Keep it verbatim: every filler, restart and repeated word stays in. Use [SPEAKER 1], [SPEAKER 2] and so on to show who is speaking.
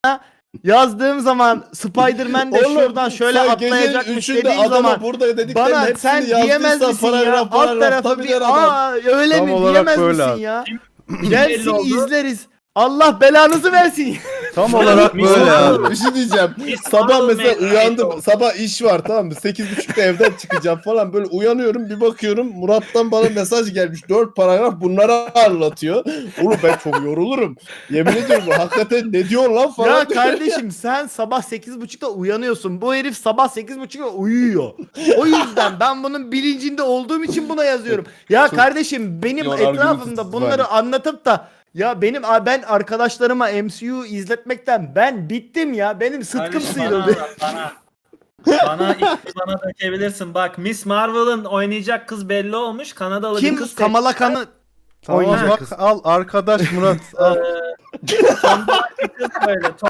[SPEAKER 1] yazdığım zaman Spider-Man de
[SPEAKER 2] Oğlum,
[SPEAKER 1] şuradan şöyle
[SPEAKER 2] sen
[SPEAKER 1] atlayacakmış
[SPEAKER 2] gecenin üçünde
[SPEAKER 1] dediğim
[SPEAKER 2] adama
[SPEAKER 1] zaman
[SPEAKER 2] burada dediklerin
[SPEAKER 1] bana
[SPEAKER 2] hepsini
[SPEAKER 1] sen diyemez
[SPEAKER 2] yazdıysa
[SPEAKER 1] misin ya?
[SPEAKER 2] paragraf,
[SPEAKER 1] Alt
[SPEAKER 2] paragraf,
[SPEAKER 1] tarafı
[SPEAKER 2] tabii
[SPEAKER 1] bir
[SPEAKER 2] der adam.
[SPEAKER 1] aa öyle
[SPEAKER 3] Tam
[SPEAKER 1] mi
[SPEAKER 3] olarak
[SPEAKER 1] diyemez
[SPEAKER 3] böyle
[SPEAKER 1] misin
[SPEAKER 3] abi.
[SPEAKER 1] ya?
[SPEAKER 4] belli
[SPEAKER 1] Gelsin
[SPEAKER 4] oldu.
[SPEAKER 1] izleriz. Allah belanızı versin.
[SPEAKER 3] Tam olarak
[SPEAKER 4] Mis-
[SPEAKER 3] böyle abi.
[SPEAKER 2] Bir şey diyeceğim.
[SPEAKER 4] Biz
[SPEAKER 2] Sabah
[SPEAKER 4] Marvel
[SPEAKER 2] mesela
[SPEAKER 4] mecbur
[SPEAKER 2] uyandım.
[SPEAKER 4] oldu.
[SPEAKER 2] Sabah iş var, tamam mı? sekiz buçukta evden çıkacağım falan. Böyle uyanıyorum, bir bakıyorum Murat'tan bana mesaj gelmiş. dört paragraf bunları anlatıyor. Oğlum ben çok yorulurum. Yemin ediyorum hakikaten ne diyor lan falan.
[SPEAKER 1] Ya kardeşim sen sabah sekiz buçukta uyanıyorsun. Bu herif sabah sekiz buçukta uyuyor. O yüzden ben bunun bilincinde olduğum için buna yazıyorum. Ya
[SPEAKER 2] Çok
[SPEAKER 1] kardeşim benim
[SPEAKER 2] yorar
[SPEAKER 1] etrafımda
[SPEAKER 2] gibi
[SPEAKER 1] bunları
[SPEAKER 2] var.
[SPEAKER 1] anlatıp da ya benim ben arkadaşlarıma M C U izletmekten ben bittim ya. Benim sıtkım
[SPEAKER 4] Kardeşim, bana
[SPEAKER 1] sıyrıldı.
[SPEAKER 4] anlat, bana. Bana iki bana dökebilirsin. Bak Miss Marvel'ın oynayacak kız belli olmuş. Kanadalı bir
[SPEAKER 1] Kim
[SPEAKER 4] kız.
[SPEAKER 1] Kamala Khan'ı
[SPEAKER 3] Tamam
[SPEAKER 1] oynayacak
[SPEAKER 3] bak
[SPEAKER 1] kız.
[SPEAKER 3] al arkadaş Murat al.
[SPEAKER 4] Eee, Tomboy bir kız böyle.